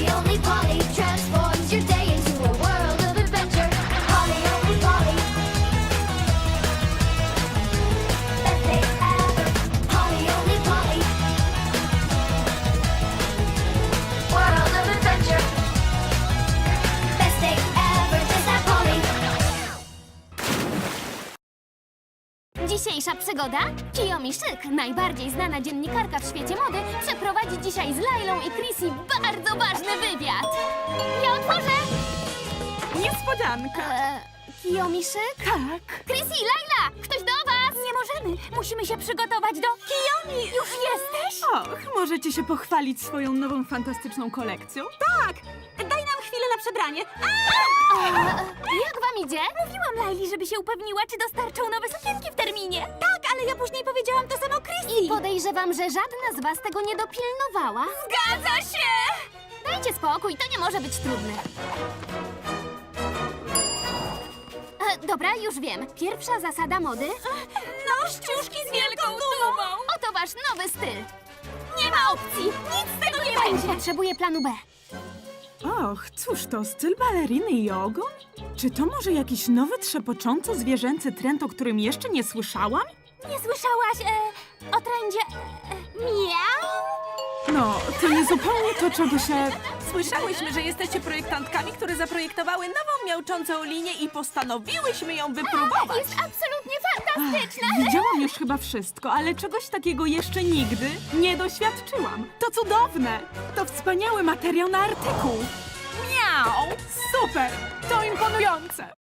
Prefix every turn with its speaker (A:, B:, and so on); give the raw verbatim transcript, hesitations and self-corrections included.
A: Polly, only Polly transforms your day into a world of adventure. Polly, only Polly. Best day ever. Polly, only Polly. World of adventure. Best day ever. Just like Polly.
B: Dzisiejsza przygoda? Kiyomi Szyk, najbardziej znana dziennikarka w świecie mody, przeprowadzi dzisiaj z Lailą i Chrissy bardzo ważny wywiad. Ja otworzę!
C: Niespodzianka.
B: E, Kiyomi Szyk?
C: Tak.
B: Chrissy, Laila! Ktoś do was! Nie możemy! Musimy się przygotować do... Kiyomi! Już jesteś?
C: Och, możecie się pochwalić swoją nową fantastyczną kolekcją?
D: Tak! Daj nam chwilę na przebranie.
B: E, jak wam idzie?
D: Mówiłam Laili, żeby się upewniła, czy dostarczą nowe sukienki w terminie. Tak, ale ja później powiedziałam to samo Chrissy.
B: Podejrzewam, że żadna z was tego nie dopilnowała.
D: Zgadza się!
B: Dajcie spokój, to nie może być trudne. E, dobra, już wiem. Pierwsza zasada mody.
D: No, ściuszki z wielką dumą!
B: Oto wasz nowy styl.
D: Nie ma opcji! Nic z tego nie będzie!
B: Potrzebuję planu B.
C: Och, cóż to, styl baleriny i ogon? Czy to może jakiś nowy, trzepocząco zwierzęcy trend, o którym jeszcze nie słyszałam?
D: Nie słyszałaś e, o trendzie e, miau?
C: No, to nie zupełnie to, czego się...
E: Słyszałyśmy, że jesteście projektantkami, które zaprojektowały nową miauczącą linię i postanowiłyśmy ją wypróbować.
B: Jest absolutnie fantastyczna.
C: Widziałam już chyba wszystko, ale czegoś takiego jeszcze nigdy nie doświadczyłam. To cudowne! To wspaniały materiał na artykuł. Miau! Super! To imponujące!